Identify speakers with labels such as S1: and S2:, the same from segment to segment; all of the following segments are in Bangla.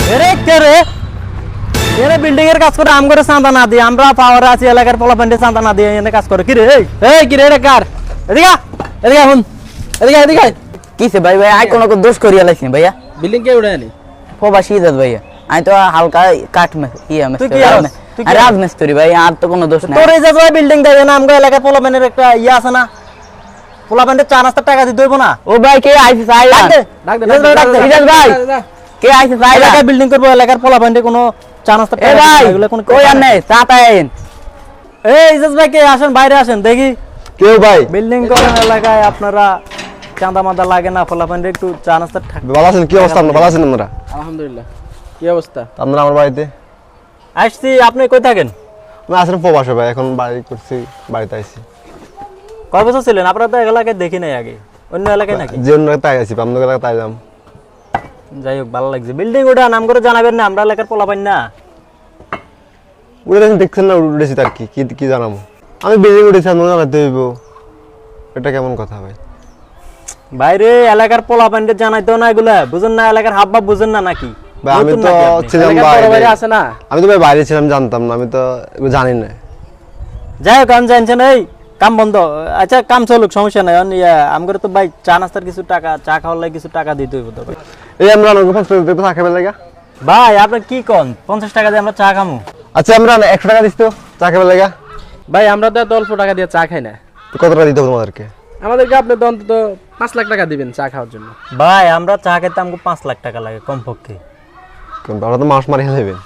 S1: এরে কে রে এনে বিল্ডিং এর কাজ করে আম করে চাঁদা না দিয়ে আমরা পাওয়ারে আছি এলাকার পোলাপান্ডে চাঁদা না দিয়ে এনে কাজ করে কি রে এই কি রে এটা কার এদিকে এদিকে এখন এদিকে এদিকে
S2: কিসে ভাই ভাই আই কোনো দোষ করিয়া লাইছি ভাইয়া
S3: বিল্ডিং কে উড়ে আনি
S2: প্রবাসী দাদ ভাইয়া আমি তো হালকা কাঠ
S1: তুই কি আছিস? তুই কি
S2: রাজমিস্ত্রি ভাই আর তো কোনো দোষ নাই
S1: তোর এই যে বিল্ডিং দেয় না আমগো এলাকার পোলাপান্ডের একটা ইয়া আছে না পোলাপান্ডে 4 টাকা দিতে হইব না
S2: ও ভাই কে আইছে চাই
S1: ডাক দে
S3: ডাক দে
S2: ইজাজ ভাই কে আইছে চাই
S1: এলাকায় বিল্ডিং করবো এলাকার পোলাপান্ডে কোনো 4
S2: এ
S1: টাকা
S2: ভাই
S1: এগুলো কোন
S2: কই আর নেই চাটা আইন
S1: এই ইজাজ ভাই কে আসেন বাইরে আসেন দেখি
S4: কেউ ভাই
S1: বিল্ডিং করেন এলাকায় আপনারা চাঁদা মাদা লাগে না পোলাপান্ডে একটু 4 টাকা
S4: ভালো আছেন? কি অবস্থা আপনার? ভালো আছেন আপনারা?
S3: আলহামদুলিল্লাহ কি অবস্থা
S4: আপনারা আমার বাড়িতে?
S1: আসছি আপনি কই থাকেন
S4: আমি আসলে প্রবাসে ভাই, এখন বাড়ি করছি, বাড়িতে আইছি।
S1: কয় বছর ছিলেন আপনারা তো এলাকায় দেখি নাই আগে অন্য এলাকায় নাকি
S4: যে অন্য তাই আছি, আপনাদের এলাকায় তাই যাম।
S1: যাই হোক ভালো লাগছে বিল্ডিং ওটা নাম করে জানাবেন না আমরা এলাকার পোলাপান না
S4: উঠে দেখছেন না, উঠেছি তার কি কি কি জানাবো? আমি বিল্ডিং উঠেছি, আপনার জানাতে হইব, এটা কেমন কথা ভাই?
S1: বাইরে এলাকার পোলাপানদের জানাইতো না এগুলা বুঝেন না এলাকার হাবভাব বুঝেন না নাকি
S4: ভাই আমি
S1: নতুন
S4: তো
S1: নাকি আপনি?
S4: ছিলাম
S3: এলাকার বড় ভাই
S4: বাইরে,
S3: আছে না
S4: আমি তো ভাই বাইরে ছিলাম, জানতাম না, আমি তো এগুলো জানি না।
S1: যাই হোক আমি জানছেন এই কাম বন্ধ আচ্ছা কাম চলুক সমস্যা নাই আমগরে তো ভাই চা নাস্তার কিছু টাকা চা খাওয়ার লাগে কিছু টাকা দিতে হইব তো ভাই।
S4: এই আমরা অনেক থাকা পেলে লাগা।
S1: ভাই আপনি কি কোন 50 টাকা দিয়ে আমরা চা খামু
S4: আচ্ছা আমরা 100 টাকা দিস তো চা খেতে লাগা।
S3: ভাই আমরা তো এত অল্প টাকা দিয়ে চা খাই না
S4: তো কত টাকা দিতে হবে তোমাদেরকে?
S3: আমাদেরকে আপনি তো অন্তত 5 লাখ টাকা দিবেন চা খাওয়ার জন্য
S1: ভাই আমরা চা খেতে আমাকে 5 লাখ টাকা লাগে কমপক্ষে
S4: কিন্তু আমরা তো মাস মারি যাবেন।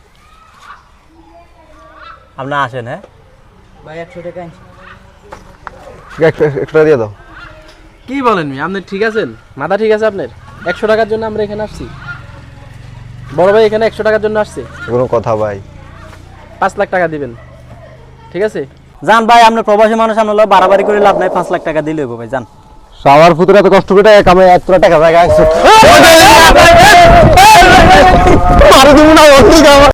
S1: আপনি আসেন হ্যাঁ
S2: ভাই 100 টাকা
S4: একটু টাকা দিয়ে দাও।
S3: কি বলেন মি আপনি ঠিক আছেন মাথা ঠিক আছে আপনার 100 টাকার জন্য আমরা এখানে আসছি বড় ভাই এখানে 100 টাকার জন্য আসছে
S4: কোনো কথা ভাই?
S3: 5 লাখ টাকা দিবেন ঠিক আছে
S1: জান ভাই আপনি প্রবাসী মানুষ আমরা বাড়াবাড়ি করে লাভ নাই 5 লাখ টাকা দিলে হইব ভাই জান
S4: সবার ফুতুরে এত কষ্ট করে কামে 1 টাকা জায়গা আছে।